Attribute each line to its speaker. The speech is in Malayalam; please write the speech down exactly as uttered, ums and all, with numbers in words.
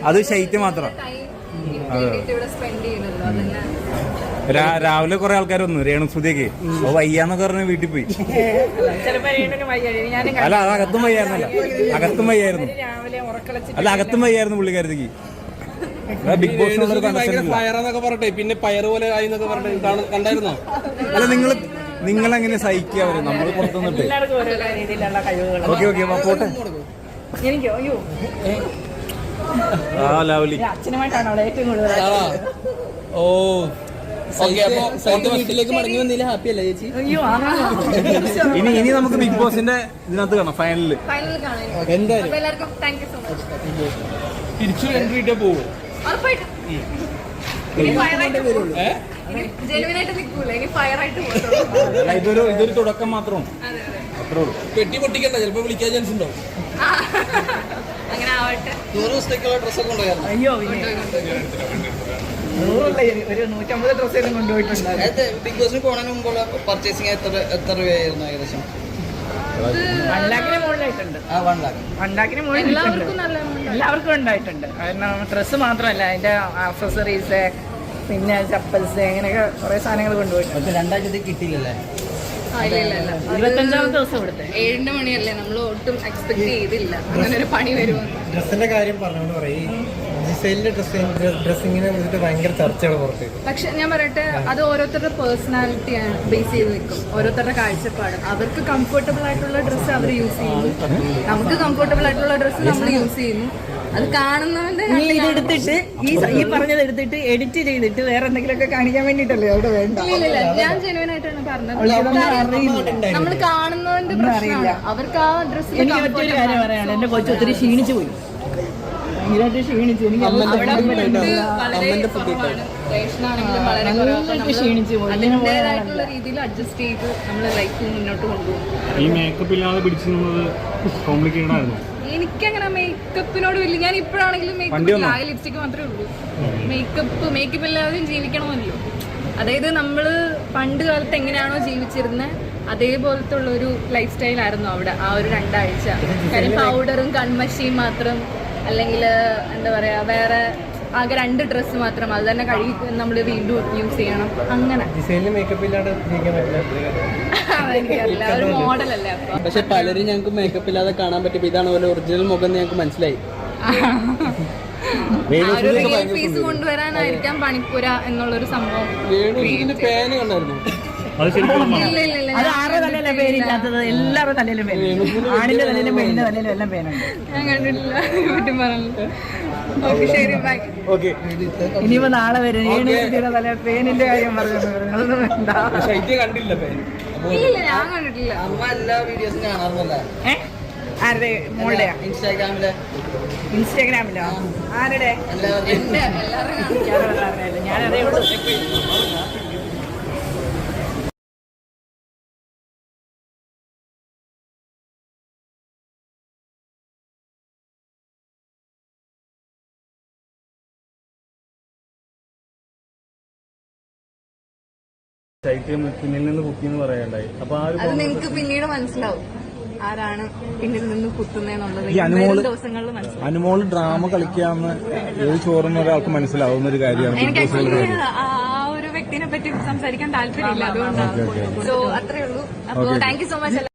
Speaker 1: അത് ശൈത്യം മാത്രം. രാവിലെ കുറെ ആൾക്കാർ വന്നു രേണുസുതിയൊക്കെ അപ്പൊ വയ്യാന്നൊക്കെ പറഞ്ഞ് വീട്ടിൽ പോയി. അല്ല അത് അകത്തും വയ്യായിരുന്നല്ല, അകത്തും വയ്യായിരുന്നു. അല്ല അകത്തും വയ്യായിരുന്നു പുള്ളിക്കാരത്തേക്ക്. ബിഗ് ബോസിനുള്ളൊരു
Speaker 2: പയറെന്നൊക്കെ പറഞ്ഞെ പിന്നെ പയറ് പോലെ ആയി എന്നൊക്കെ പറഞ്ഞിട്ട് കണ്ടായിരുന്നോ?
Speaker 1: അല്ല നിങ്ങൾ നിങ്ങൾ എങ്ങനെ സഹിക്കുക അവര് നമ്മൾ പുറത്തുനിന്നിട്ട്? ഓക്കെ ഓക്കെ പോട്ടെ. ആ ലവ്ലി
Speaker 2: ഓ വീട്ടിലേക്ക് മടങ്ങി വന്നില്ല ഹാപ്പി അല്ലേ ചേച്ചി?
Speaker 1: ഇനി ഇനി നമുക്ക് ബിഗ് ബോസിന്റെ ഇതിനകത്ത് കാണാം, ഫൈനലില്
Speaker 2: എന്തായാലും തിരിച്ചു എൻട്രി ഇട്ടേ പോകും.
Speaker 1: ഇതൊരു ഇതൊരു തുടക്കം മാത്രമാണ്.
Speaker 2: പെട്ടി പൊട്ടിക്കണ്ട, ചിലപ്പോ വിളിക്കാൻ ചാൻസ് ഉണ്ടോ? നൂറ് ദിവസത്തേക്കുള്ള ഡ്രസ്സൊക്കെ ഉണ്ടായിരുന്നു.
Speaker 3: അയ്യോ ഒരു നൂറ്റമ്പത് ഡ്രസ്സെല്ലാം കൊണ്ടുപോയിട്ടുണ്ട്.
Speaker 2: ബിഗ് ബോസിന് പോണതിന് മുമ്പുള്ള പർച്ചേസിംഗ് എത്ര എത്ര രൂപയായിരുന്നു ഏകദേശം?
Speaker 3: വൺ ലാഖിന് മുകളിലായിട്ടുണ്ട്. വൺ ലാഖിന് മുകളിൽ എല്ലാവർക്കും ഉണ്ടായിട്ടുണ്ട്. കാരണം ഡ്രസ്സ് മാത്രമല്ല, അതിന്റെ ആക്സസറീസ് പിന്നെ ചപ്പൽസ് അങ്ങനെയൊക്കെ കുറെ സാധനങ്ങൾ കൊണ്ടുപോയിട്ടുണ്ട്.
Speaker 2: രണ്ടാഴ്ചത്തേക്ക് കിട്ടിയില്ലല്ലേ?
Speaker 3: ഇരുപത്തഞ്ചാമത്തെ ദിവസം ഇവിടുത്തെ
Speaker 4: ഏഴിന്റെ മണിയല്ലേ, നമ്മൾ ഒട്ടും എക്സ്പെക്ട് ചെയ്തില്ല അങ്ങനെ ഒരു പണി വരുമെന്ന്.
Speaker 5: ഡ്രസ്സിന്റെ കാര്യം പറഞ്ഞോണ്ട് പറയും, ജിസൈലിന്റെ ഡ്രസ്സിങ്ങിനെ കുറിച്ചിട്ട് ഭയങ്കര ചർച്ചകൾ പുറത്തേക്ക്.
Speaker 4: പക്ഷെ ഞാൻ പറയട്ടെ, അത് ഓരോരുത്തരുടെ പേഴ്സണാലിറ്റിയാണ് ബേസ് ചെയ്ത് നിൽക്കും, ഓരോരുത്തരുടെ കാഴ്ചപ്പാട്. അവർക്ക് കംഫർട്ടബിൾ ആയിട്ടുള്ള ഡ്രസ്സ് അവർ യൂസ് ചെയ്യുന്നു, നമുക്ക് കംഫർട്ടബിൾ ആയിട്ടുള്ള ഡ്രസ്സ് നമ്മൾ യൂസ് ചെയ്യുന്നു. അത് കാണുന്നവന്റെ
Speaker 3: ഇതെടുത്തിട്ട് ഈ ഈ പറഞ്ഞത് എടുത്തിട്ട് എഡിറ്റ് ചെയ്തിട്ട് വേറെ എന്തെങ്കിലുമൊക്കെ കാണിക്കാൻ വേണ്ടിട്ടല്ലേ അവിടെ വേണ്ട.
Speaker 4: ഞാൻ ജെനുവൻ ആയിട്ടാണ് പറഞ്ഞത്. നമ്മൾ കാണുന്നവന്റെ പ്രശ്നമാണ്, അവർക്ക് ആ ഡ്രസ്സ്.
Speaker 3: എനിക്ക് മറ്റൊരു കാര്യം പറയാണ്, എന്റെ കൊച്ചു ഒത്തിരി ക്ഷീണിച്ചു പോയി, ഭയങ്കരമായിട്ട് ക്ഷീണിച്ചു. എനിക്ക് ക്ഷീണിച്ചു പോയി.
Speaker 4: അതിൻ്റെതായിട്ടുള്ള രീതിയിൽ അഡ്ജസ്റ്റ് ചെയ്ത് നമ്മൾ ലൈഫ് മുന്നോട്ട് കൊണ്ടുപോകും.
Speaker 1: ഈ മേക്കപ്പ് ഇല്ലാതെ പിടിച്ചു കോംപ്ലിക്കേറ്റഡ് ആയിരുന്നു.
Speaker 4: എനിക്കങ്ങനെ മേക്കപ്പിനോട് വലിയ, ഞാൻ ഇപ്പോഴാണെങ്കിലും മേക്കപ്പ് ഇല്ല, ലിപ്സ്റ്റിക് മാത്രമേ ഉള്ളൂ. മേക്കപ്പ് മേക്കപ്പ് ഇല്ലാതെയും ജീവിക്കണമല്ലോ. അതായത് നമ്മള് പണ്ട് കാലത്ത് എങ്ങനെയാണോ ജീവിച്ചിരുന്നത് അതേപോലത്തെ ഉള്ള ഒരു ലൈഫ് സ്റ്റൈൽ ആയിരുന്നു അവിടെ ആ ഒരു രണ്ടാഴ്ച. കാര്യം പൗഡറും കൺമഷിയും മാത്രം, അല്ലെങ്കിൽ എന്താ പറയാ വേറെ ആകെ രണ്ട് ഡ്രസ്സ് മാത്രം, അത് തന്നെ കഴുകി നമ്മൾ വീണ്ടും യൂസ് ചെയ്യണം. അങ്ങനെ
Speaker 5: മേക്കപ്പ് ഇല്ലാതെ
Speaker 4: എനിക്കറിയില്ല, ഒരു മോഡലല്ലേ. അപ്പൊ
Speaker 2: പക്ഷെ പലരും ഞങ്ങൾക്ക് മേക്കപ്പ് ഇല്ലാതെ കാണാൻ പറ്റും. ഇതാണ് പോലെ ഒറിജിനൽ മുഖം ഞങ്ങൾക്ക് മനസ്സിലായി.
Speaker 4: പീസ് കൊണ്ടുവരാനായിരിക്കാം പണിപ്പുര എന്നുള്ളൊരു സംഭവം.
Speaker 2: പേന് കണ്ടായിരുന്നു.
Speaker 3: അത് ആരുടെ തലയിലെ പേരില്ലാത്തത്? എല്ലാവരുടെ തലയിലും പേര്, ആണിന്റെ തലയിലും പെണ്ണിന്റെ തലയിലും എല്ലാം പേനുണ്ട്.
Speaker 4: ഞാൻ കണ്ടിട്ടില്ല, വീട്ടിൽ പറഞ്ഞു. ഓക്കെ ശരി, ബൈ.
Speaker 3: ഇനിയിപ്പോ നാളെ വരും യൂണിവേഴ്സിറ്റിയുടെ തല പേനിന്റെ കാര്യം പറഞ്ഞു. അതൊന്നും വേണ്ട.
Speaker 2: കണ്ടില്ല പേര്?
Speaker 4: ഇല്ല, ഞാൻ കണ്ടിട്ടില്ല.
Speaker 2: അമ്മ എല്ലാ വീഡിയോസും കാണാറുണ്ടല്ലേ?
Speaker 3: ഏഹ് ആരുടെ? മോളുടെയാ?
Speaker 2: ഇൻസ്റ്റാഗ്രാമിലെ.
Speaker 3: ഇൻസ്റ്റാഗ്രാമിലോ? ആരുടെ? ഞാനതേ ഉള്ളൂ.
Speaker 1: ശൈത്യം പിന്നിൽ നിന്ന് കുത്തി എന്ന് പറയാണ്ടായി. അപ്പൊ
Speaker 4: അത് നിങ്ങൾക്ക് പിന്നീട് മനസ്സിലാവും ആരാണ് പിന്നിൽ നിന്ന് കുത്തുന്നതെന്നുള്ളത് ദിവസങ്ങളിൽ മനസ്സിലാവും.
Speaker 1: അനുമോള് ഡ്രാമ കളിക്കാന്ന് ഏത് ചോറുന്ന ഒരാൾക്ക് മനസ്സിലാവുന്ന ഒരു കാര്യമാണ്.
Speaker 4: എനിക്ക് ആക്ച്വലി ആ ഒരു വ്യക്തിനെ പറ്റി സംസാരിക്കാൻ താല്പര്യമില്ല, അതുകൊണ്ടാണ്. സോ അത്രേ ഉള്ളൂ. അപ്പൊ താങ്ക് യു സോ മച്ച്.